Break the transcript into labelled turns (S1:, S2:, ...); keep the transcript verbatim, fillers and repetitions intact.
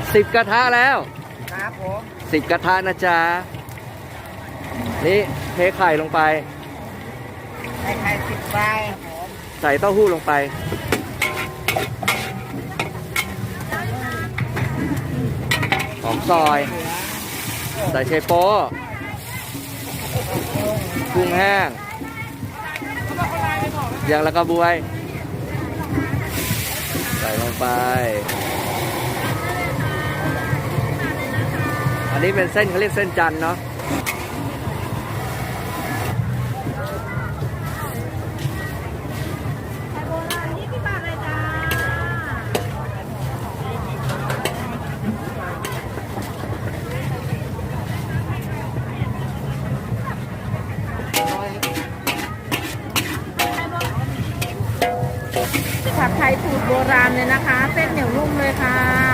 S1: สิบกระทะแล้ว
S2: ครับผม
S1: สิบกระทะนะจ๊ะนี่เทไข่ลงไป
S2: ใส่ไข่สิบใบ
S1: ใส่เต้าหู้ลงไปหอมซอยใส่เชโป้กุ้งแห้งยางละกระบวยใส่ลงไปอันนี้เป็นเส้นเขาเรียกเส้นจันทร์เนาะ